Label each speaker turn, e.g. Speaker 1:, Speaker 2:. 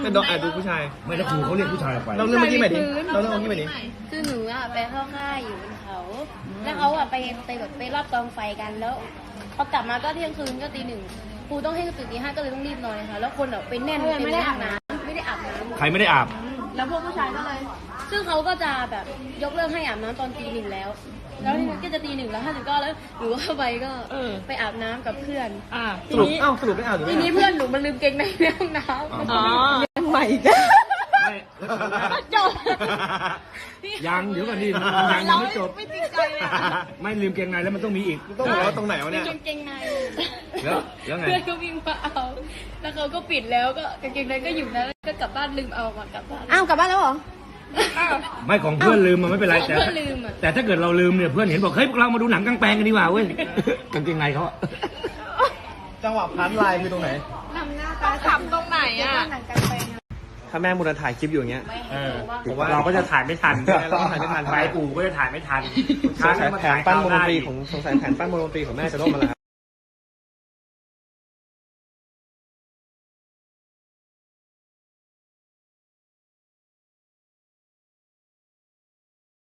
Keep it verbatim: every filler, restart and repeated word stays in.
Speaker 1: เป็นดอกแอบดูผู้ชาย
Speaker 2: ไม่แล้วครูเขาเรียกผู้ชายออกไป
Speaker 1: เราเรื่องเมื่อกี้ใหม่ดิเราเรื่องเมื่อกี้ใหม่ดิ
Speaker 3: คือหนูอะไปเข้าค่ายอยู่บนเขา แล้วเขาอะไปไปแบบไปรอบกองไฟกันแล้วพอกลับมาก็เที่ยงคืนก็ตีหนึ่งครูต้องให้ตื่นตีห้าก็เลยต้องรีบนอนค่ะแล้วคนแบบไปแน่นไม่ได้อาบน้ำไม่ได้อาบน้ำ
Speaker 2: ใครไม่ได้อาบ
Speaker 3: แล้วพวกผู้ชายก็เลย ซึ่งเขาก็จะแบบยกเลิกให้อาบน้ำตอนตีหนึ่งแล้ว แล้วทีนี้ก็จะตีหนึ่งแล้วห้าสิบเก้าแล้วหนูเข้าไปก็ไปอาบน้ำกับเพื่อน
Speaker 4: อ่า
Speaker 1: สรุปเอ้าสรุปไม่อาบหรือ
Speaker 3: ที
Speaker 1: ไม่
Speaker 3: นี้
Speaker 1: อาบ
Speaker 3: เพื่อนหนูมันลืมเกงในในห้องน้ำ
Speaker 4: อ๋อ
Speaker 1: ใหม่กัน
Speaker 2: ไม่
Speaker 4: จบ
Speaker 2: ยังเดี๋ยวก่อนดิยังยังไม่จบ
Speaker 4: ไม่จริงใจเลยอะ
Speaker 2: ไม่ลืมเกงในแล้วมันต้องมีอีก
Speaker 1: ต้องบอกว่าตรงไหนวะเนี่ย
Speaker 3: กางเกงใน
Speaker 2: แล้วแล้วไง
Speaker 3: เพื่อนก็วิ่งมาเอา แล้วเขาก็ปิดแล้วก็กางเกงในก็อยู่นั้นแล้วก็กลับบ้านลืมเอามากลับบ้าน
Speaker 4: อ้าวกลับบ้านแล้วเหรอ
Speaker 2: ไม่ของเพื่อนลืมมันไม่เป็นไร
Speaker 3: ของ
Speaker 2: แต่
Speaker 3: เพื่อนลืมอะ
Speaker 2: แต่ถ้าเกิดเราลืมเนี่ยเพื่อนเห็นบอกเฮ้ยพวกเรามาดูหนังกลางแปลงกันดีกว่าเว้ยกางเกงในเขาอะ
Speaker 1: จังหวะพันลายคือตรงไหน
Speaker 3: ทำหน้าตา
Speaker 4: ขำตรงไหนอ่ะ
Speaker 3: หนังกันไปนะ
Speaker 1: ถ้าแม่มูลถ่ายคลิปอยู่อย่างเงี้ย
Speaker 2: เออ
Speaker 1: ผมว่า
Speaker 2: เราก็จะถ่ายไม่ทัน
Speaker 1: เราก็ถ่ายไม่ทัน
Speaker 2: ไปปู่ก็จะถ่ายไม่ทัน
Speaker 1: สงสัยแผนปั้นวงดนตรีของสงสัยแผนปั้นวงดนตรีของแม่จะล่มมาแล้วครับ